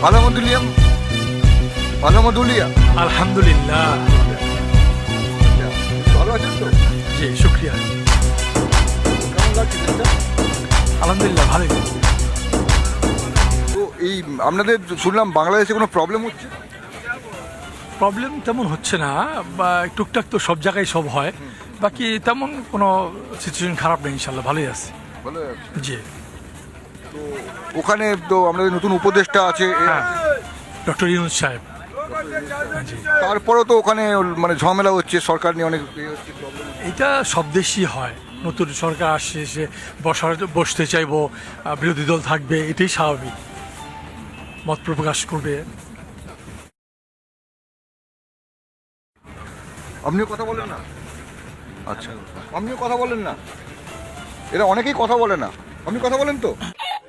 আলহামদুলিল্লাহ, আলহামদুলিল্লাহ, আলহামদুলিল্লাহ। ভালো আছেন তো? জি, শুক্রিয়া। কেমন লাগছে দেশটা? আলহামদুলিল্লাহ, ভালোই। তো এই আপনাদের শুনলাম বাংলাদেশে কোনো প্রবলেম হচ্ছে? প্রবলেম তেমন হচ্ছে না, বা টুকটাক তো সব জায়গায় সব হয়, বাকি তেমন কোনো সিচুয়েশন খারাপ নেই, ইনশাল্লাহ ভালোই আছে। ভালো আছে। জি, তো ওখানে তো আমাদের নতুন উপদেষ্টা আছে, হ্যাঁ, ডক্টর ইউনূস সাহেব। জি, তারপরেও তো ওখানে মানে ঝামেলা হচ্ছে, সরকার নিয়ে অনেক হচ্ছে, প্রবলেম। এটা সব দেশই হয়। নতুন সরকার আসছে, সে বসতে চাইবো, বিরোধী দল থাকবে, এটাই স্বাভাবিক, মত প্রকাশ করবে। আপনিও কথা বলেন না? আচ্ছা, আপনিও কথা বলেন না? এরা অনেকেই কথা বলে না, আপনি কথা বলেন তো?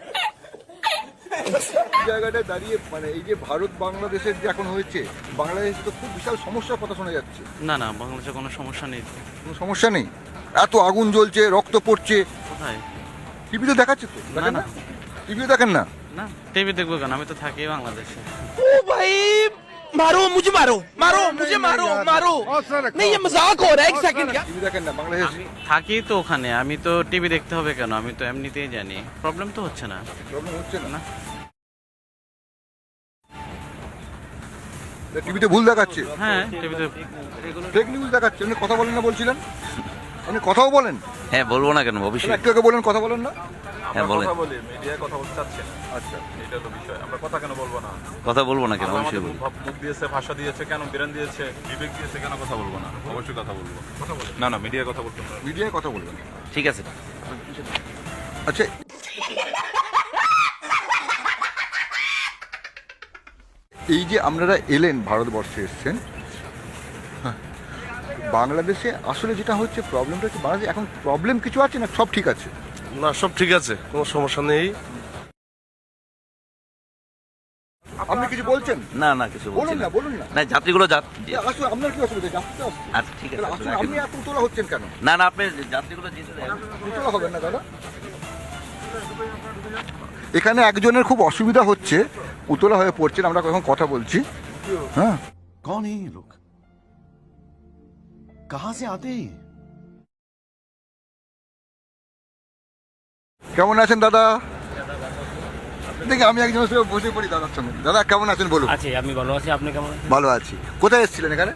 এই জায়গাটায় দাঁড়িয়ে মানে এই যে ভারত বাংলাদেশের যে এখন হয়েছে, বাংলাদেশে তো খুব বিশাল সমস্যার কথা শোনা যাচ্ছে। না না, বাংলাদেশে কোনো সমস্যা নেই। কোনো সমস্যা নেই? এত আগুন জ্বলছে, রক্ত পড়ছে, কোথায়? টিভিতে দেখাচ্ছে তো? দেখেন না, না? টিভিতে দেখেন না? না, টিভি দেখবো কেন? আমি তো থাকি বাংলাদেশে। ओ भाई मारो मुझे, मारो मुझे, मारो नहीं, ये मजाक हो रहा है, एक सेकंड क्या। টিভি দেখেন না বাংলাদেশ? আমি থাকি তো ওখানে, আমি তো টিভি দেখতে হবে কেন? আমি তো এমনিতেই জানি, প্রবলেম তো হচ্ছে না। প্রবলেম হচ্ছে না? না। টিভিতে ভুল দেখাচ্ছে, হ্যাঁ, টিভিতে ফেক নিউজ দেখাচ্ছে। আপনি কথা বলেন না বলছিলেন? আপনি কথাও বলেন? হ্যাঁ, বলবো না কেন, তাহলে অবশ্যই। একটু আগে বলেন কথা বলেন না? হ্যাঁ, বলেন। কথা বলি, মিডিয়ায় কথা বলতে চাচ্ছে না, আচ্ছা, এটা হলো বিষয়। আমরা কথা কেন বলবো না? কথা বলবো না কেন, আল্লাহ অবশ্যই আমাদের বলবো। মুখ দিয়েছে, ভাষা দিয়েছে, কেন বিরান দিয়েছে, বিবেক দিয়েছে, কেন কথা বলবো না? অবশ্যই কথা বলবো। না না, মিডিয়ায় কথা বলতে হবে। মিডিয়ায় কথা বলবেন। ঠিক আছে। আচ্ছা, এই যে আপনারা এলেন, ভারতবর্ষে এসছেন, হ্যাঁ, বাংলাদেশে আসলে যেটা হচ্ছে প্রবলেমটা হচ্ছে, বাংলাদেশে এখন প্রবলেম কিছু আছে না সব ঠিক আছে? না, সব ঠিক আছে, কোনো সমস্যা নেই। আপনি কিছু বলছেন? না না, কিছু বলছি বলুন না। না, বলুন না। না, যাত্রীগুলো আসলে আপনার কি অসুবিধা? যাত্রীতে আসছে। আচ্ছা, ঠিক আছে। তাহলে আসলে আপনি এত উতলা হচ্ছেন কেন? না না, আপনি যাত্রীগুলো যেতে দেন। উতলা হবেন না দাদা। এখানে একজনের খুব অসুবিধা হচ্ছে, উতলা হয়ে পড়ছেন, আমরা এখন কথা বলছি। হ্যাঁ, कौन है ये लोग? कहां से आते हैं? কেমন আছেন দাদা? দেখি আমি একজনের সঙ্গে বসে পড়ি দাদার সঙ্গে। দাদা কেমন আছেন বলুন? আছি, আমি ভালো আছি, আপনি কেমন আছেন? ভালো আছি। কোথায় এসেছিলেন এখানে?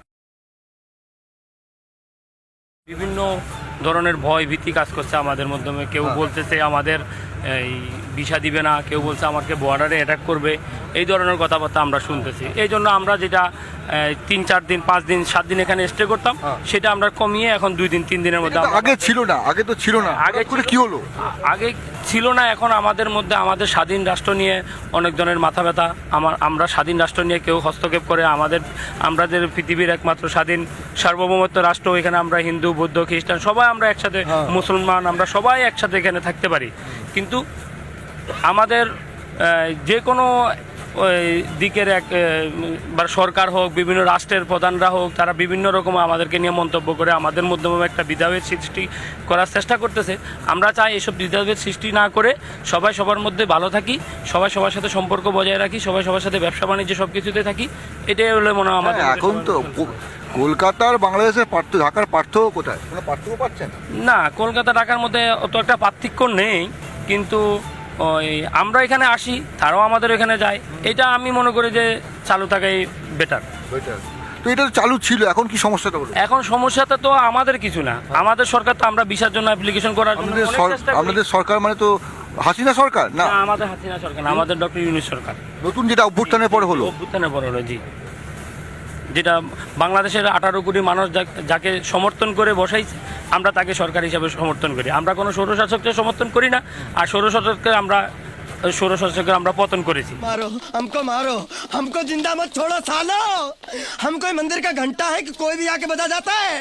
বিভিন্ন ধরনের ভয় ভীতি কাজ করছে আমাদের মাধ্যমে। কেউ বলতেছে আমাদের এই ভিসা দিবে না, কেউ বলছে আমাকে বর্ডারে অ্যাটাক করবে, এই ধরনের কথাবার্তা আমরা শুনতেছি। এই জন্য আমরা যেটা 3-4 দিন 5 দিন 7 দিন এখানে স্টে করতাম, সেটা আমরা কমিয়ে এখন 2 দিন 3 দিনের মধ্যে আমরা- আগে ছিল না, আগে তো ছিল না, আগে আগে করে কি হলো? আগে ছিল না, এখন আমাদের মধ্যে আমাদের স্বাধীন রাষ্ট্র নিয়ে অনেক ধরনের মাথা ব্যথা। আমরা স্বাধীন রাষ্ট্র নিয়ে কেউ হস্তক্ষেপ করে আমাদের পৃথিবীর একমাত্র স্বাধীন সার্বভৌমত্ব রাষ্ট্র, এখানে আমরা হিন্দু বৌদ্ধ খ্রিস্টান সবাই আমরা একসাথে, মুসলমান আমরা সবাই একসাথে এখানে থাকতে পারি। কিন্তু আমাদের যে কোনো দিকের বা সরকার হোক, বিভিন্ন রাষ্ট্রের প্রধানরা হোক, তারা বিভিন্ন রকম আমাদেরকে নিয়ে মন্তব্য করে আমাদের মাধ্যমে একটা বিধাভেদ সৃষ্টি করার চেষ্টা করতেছে। আমরা চাই এসব বিধাভেদ সৃষ্টি না করে সবাই সবার মধ্যে ভালো থাকি, সবাই সবার সাথে সম্পর্ক বজায় রাখি, সবাই সবার সাথে ব্যবসা বাণিজ্য সব কিছুতে থাকি, এটাই হলো মনে হয় আমাদের। এখন তো কলকাতার বাংলাদেশের ঢাকার পার্থক্য কোথায়? কোনো পার্থক্য পাচ্ছেন? না, কলকাতা ঢাকার মধ্যে অত একটা পার্থক্য নেই, কিন্তু ওই আমরা এখানে আসি, তারাও আমাদের এখানে যায়, এটা আমি মনে করি যে চালু থাকাই বেটার। তো এটা তো চালু ছিল, এখন কি সমস্যাটা হলো? এখন সমস্যাটা তো আমাদের কিছু না, আমাদের সরকার তো আমরা ভিসার জন্য অ্যাপ্লিকেশন করার জন্য অনেক চেষ্টা করি। আপনাদের সরকার মানে তো হাসিনা সরকার না? না, আমাদের হাসিনা সরকার না, আমাদের ডক্টর ইউনূস সরকার। নতুন যেটা অভ্যুত্থানের পরে হলো? অভ্যুত্থানের পর হলো, জি। যেটা বাংলাদেশের 18 কোটি মানুষ যাকে সমর্থন করে বসাইছে, আমরা তাকে সরকার হিসাবে সমর্থন করি। আমরা কোনো স্বৈরশাসককে সমর্থন করি না, আর স্বৈরশাসককে আমরা পতন করেছি। मारो हमको जिंदा मत छोड़ो सालो, हम कोई मंदिर का घंटा है कि कोई भी आके बजा जाता है।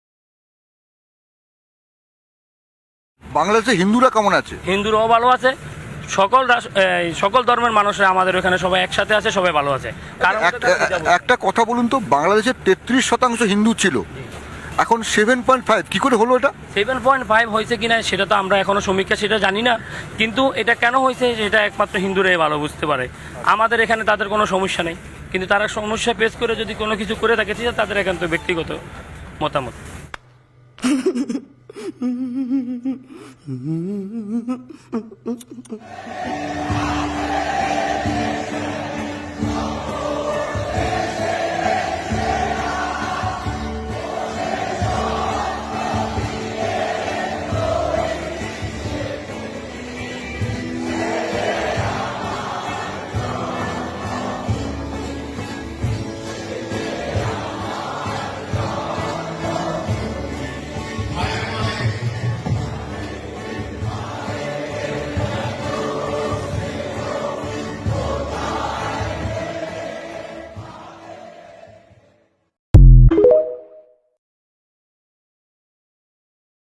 বাংলাদেশে হিন্দুরা কেমন আছে? হিন্দুরাও ভালো আছে, সকল ধর্মের মানুষরা আমাদের এখানে সবাই একসাথে আছে, সবাই ভালো আছে। কারণ একটা কথা বলুন তো, বাংলাদেশের 33% হিন্দু ছিল, এখন 7.5 কি করে হলো এটা? 7.5 হয়েছে কিনা সেটা তো আমরা এখনো সমীক্ষা সেটা জানি না, কিন্তু এটা কেন হয়েছে সেটা একমাত্র হিন্দুরাই ভালো বুঝতে পারে। আমাদের এখানে তাদের কোনো সমস্যা নেই, কিন্তু তারা সমস্যা ফেস করে যদি কোনো কিছু করে থাকে সেটা তাদের একান্ত ব্যক্তিগত মতামত।